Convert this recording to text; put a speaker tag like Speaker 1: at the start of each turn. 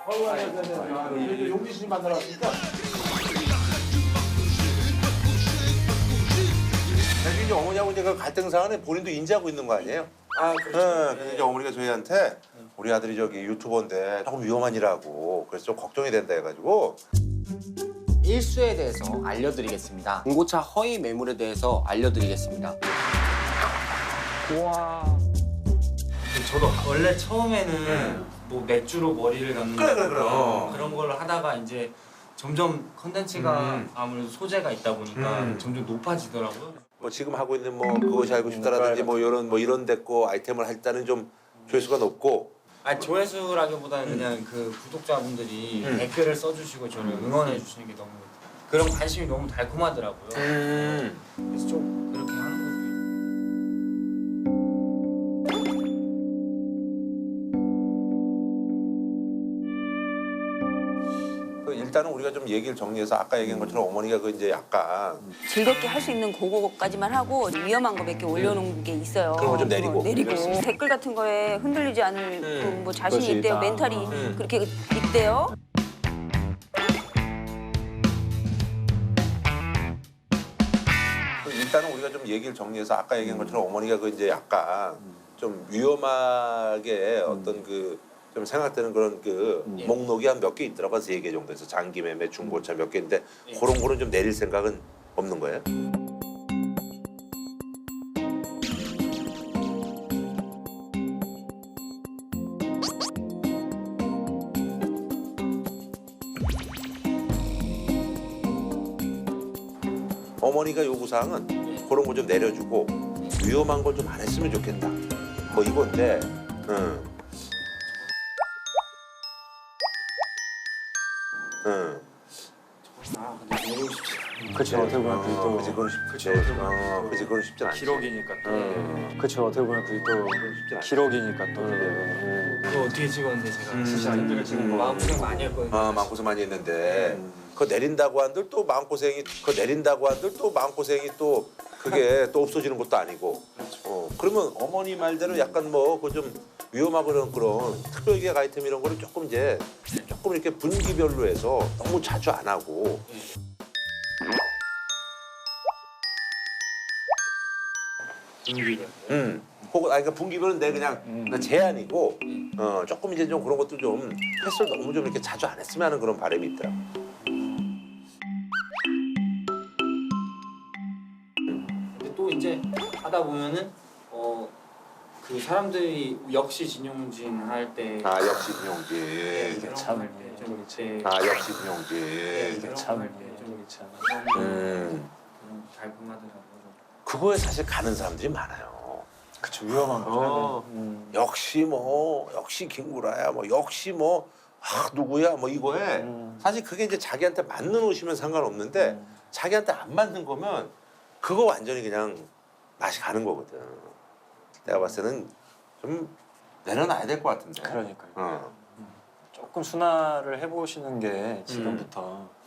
Speaker 1: 용기 씨 만나러 왔습니다.
Speaker 2: 사실 이제 어머니하고 이제 그 갈등 사안에 본인도 인지하고 있는 거 아니에요?
Speaker 1: 아, 그렇죠.
Speaker 2: 네, 그래서 이제 어머니가 저희한테 우리 아들이 저기 유튜버인데 조금 위험한 일하고 그래서 좀 걱정이 된다 해가지고
Speaker 3: 일수에 대해서 알려드리겠습니다. 중고차 허위 매물에 대해서 알려드리겠습니다.
Speaker 4: 우와. 저도 원래 처음에는 뭐 맥주로 머리를 감는
Speaker 2: 그래.
Speaker 4: 그런 걸 하다가 이제 점점 컨텐츠가 아무래도 소재가 있다 보니까 점점 높아지더라고요.
Speaker 2: 뭐 지금 하고 있는 뭐 그것이 알고 싶다라든지 뭐 이런 데거 아이템을 할 때는 좀 조회수가 높고
Speaker 4: 아니 조회수라기보다는 그냥 그 구독자분들이 댓글을 써주시고 저를 응원해 주시는 게 너무 그런 관심이 너무 달콤하더라고요. 그래서 좀 그렇게 하는 거죠.
Speaker 2: 그 일단은 우리가 좀 얘기를 정리해서 아까 얘기한 것처럼 어머니가 그 이제 약간
Speaker 5: 즐겁게 할 수 있는 그거까지만 하고 위험한 거 몇 개 올려놓은 게 있어요.
Speaker 2: 그런 거좀 내리고.
Speaker 5: 내리고 댓글 같은 거에 흔들리지 않을 그 뭐 자신이
Speaker 3: 그것이
Speaker 5: 있대요.
Speaker 3: 있다.
Speaker 5: 멘탈이 그렇게 있대요.
Speaker 2: 그 일단은 우리가 좀 얘기를 정리해서 아까 얘기한 것처럼 어머니가 그 이제 약간 좀 위험하게 어떤 그 좀 생각되는 그런 그 목록이 한 몇 개 있더라고요. 3개 정도에서 장기 매매, 중고차 몇 개인데 그런 거는 좀 내릴 생각은 없는 거예요? 어머니가 요구사항은 그런 거 좀 내려주고 위험한 걸 좀 안 했으면 좋겠다. 뭐 이건데, 응. 응.
Speaker 4: 아 근데 내리고 싶지
Speaker 3: 그렇죠. 어떻게 보면 그게 또
Speaker 2: 그치, 그건 쉽지.
Speaker 4: 그쵸, 어떻게 보면.
Speaker 2: 그치, 그건 쉽진 않지.
Speaker 4: 기록이니까 또.
Speaker 3: 그렇죠. 어떻게 보면 그게 또
Speaker 2: 쉽진 않지.
Speaker 3: 기록이니까 또.
Speaker 4: 그거 어떻게 찍었는데 제가 진짜 힘들게 찍은 거 마음고생 많이 했거든요.
Speaker 2: 마음고생 많이 했는데, 그거 내린다고 한들 또 마음고생이, 또 그게 또 없어지는 것도 아니고. 그러면 어머니 말대로 약간 뭐, 그 좀 위험하고 그런 특별기획 아이템 이런 거를 조금 이렇게 분기별로 해서 너무 자주 안 하고. 혹은 그러니까 분기별은 내 그냥 제한이고 조금 이제 좀 그런 것도 좀 횟수를 너무 좀 이렇게 자주 안 했으면 하는 그런 바람이 있더라고.
Speaker 4: 근데 또 이제 하다 보면은 그 사람들이 역시 진용진 할 때
Speaker 2: 역시 김용진.
Speaker 4: 이게
Speaker 3: 참.
Speaker 2: 역시 김용진.
Speaker 4: 이게
Speaker 3: 참.
Speaker 4: 참 달콤하더라고요.
Speaker 2: 그거에 사실 가는 사람들이 많아요.
Speaker 3: 그렇죠. 위험한 거죠.
Speaker 2: 역시 김구라야, 뭐 역시 뭐 누구야, 뭐 이거에 사실 그게 이제 자기한테 맞는 옷이면 상관없는데 자기한테 안 맞는 거면 그거 완전히 그냥 맛이 가는 거거든. 내가 봤을 때는 좀 내려놔야 될 것 같은데.
Speaker 3: 그러니까요.
Speaker 2: 어.
Speaker 3: 조금 순화를 해보시는 게 지금부터